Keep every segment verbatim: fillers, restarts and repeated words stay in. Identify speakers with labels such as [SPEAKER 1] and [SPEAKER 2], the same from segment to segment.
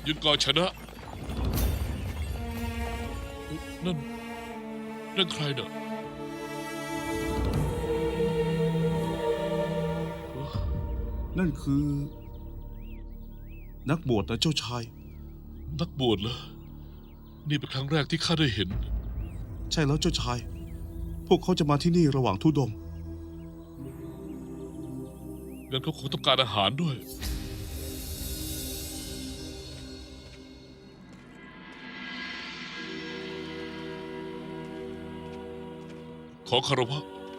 [SPEAKER 1] ยุดก่อนชนะนั่นนั่นใครเน่ะ
[SPEAKER 2] นั่นคือ นักบวชนะเจ้าชาย
[SPEAKER 1] นักบวชเหรอนี่เป็นครั้งแรกที่ข้าได้เห็น
[SPEAKER 2] ใช่แล้วเจ้าชาย พวกเขาจะมาที่นี่ระหว่างธุดงค์
[SPEAKER 1] งั้นเขาคงต้องการอาหารด้วยขอคารวะ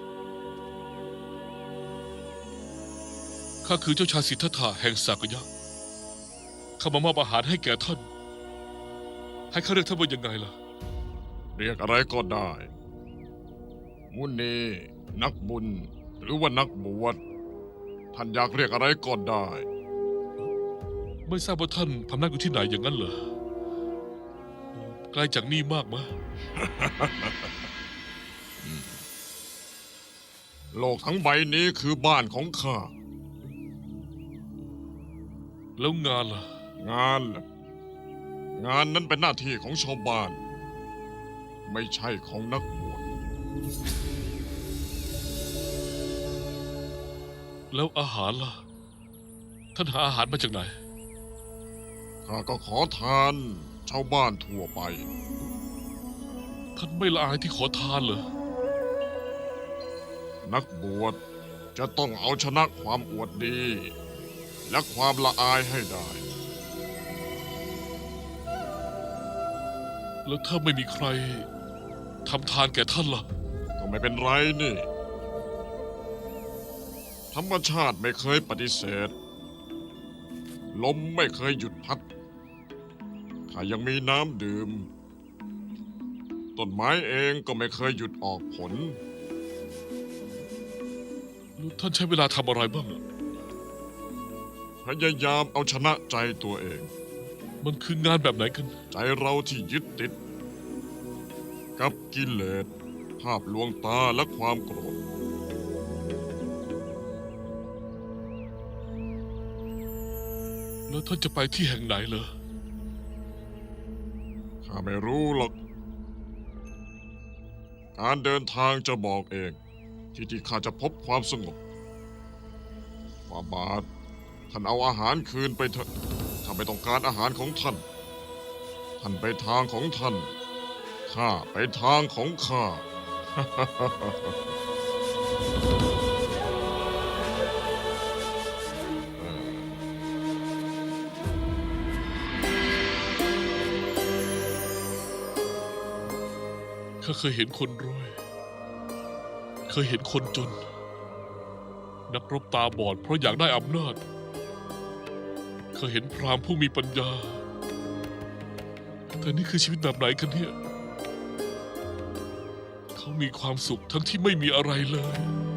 [SPEAKER 1] ข้าคือเจ้าชายสิทธัตถะแห่งสากยะข้ามามอบอาหารให้แก่ท่านให้ข้าเรียกท่านว่ายังไงล่ะ
[SPEAKER 3] เรียกอะไรก็ได้ มุนีนักบุญหรือว่านักบวชท่านอยากเรียกอะไรก็ได้
[SPEAKER 1] ไม่ทราบว่าท่านพำนักอยู่ที่ไหนอย่างนั้นเหรอไกลจากนี่มากไหม
[SPEAKER 3] โลกทั้งใบนี้คือบ้านของข้า
[SPEAKER 1] แล้วงานล่ะ
[SPEAKER 3] งานล่ะงานนั้นเป็นหน้าที่ของชาวบ้าน ไม่ใช่ของนักบวช
[SPEAKER 1] แล้วอาหารล่ะ ท่านหาอาหารมาจากไหน
[SPEAKER 3] ข้าก็ขอทานชาวบ้านทั่วไป
[SPEAKER 1] ท่านไม่ละอายที่ขอทานเหรอ
[SPEAKER 3] นักบวชจะต้องเอาชนะความอวดดี และความละอายให้ได้
[SPEAKER 1] แล้วถ้าไม่มีใครทำทานแก่ท่านล่ะ
[SPEAKER 3] ก็ไม่เป็นไรนี่ ธรรมชาติไม่เคยปฏิเสธ ลมไม่เคยหยุดพัด ข้ายังมีน้ำดื่ม ต้นไม้เองก็ไม่เคยหยุดออกผล
[SPEAKER 1] แล้วท่านใช้เวลาทำอะไรบ้างอะ
[SPEAKER 3] พยายามเอาชนะใจตัวเอง
[SPEAKER 1] มันคืองานแบบไหนกัน
[SPEAKER 3] ใจเราที่ยึดติด กับกิเลส ภาพลวงตาและความโกรธ
[SPEAKER 1] แล้วท่านจะไปที่แห่งไหนเหรอ
[SPEAKER 3] ข้าไม่รู้หรอก การเดินทางจะบอกเอง ที่ที่ข้าจะพบความสงบฝ่าบาท ท่านเอาอาหารคืนไปเถอะข้าไม่ต้องการอาหารของท่าน ท่านไปทางของท่าน ข้าไปทางของข้า
[SPEAKER 1] ข้าเคยเห็นคนรวย เคยเห็นคนจน นักรบตาบอดเพราะอยากได้อำนาจ เคยเห็นพราหมณ์ผู้มีปัญญา แต่นี่คือชีวิตแบบไหนกันเนี่ย เขามีความสุขทั้งที่ไม่มีอะไรเลย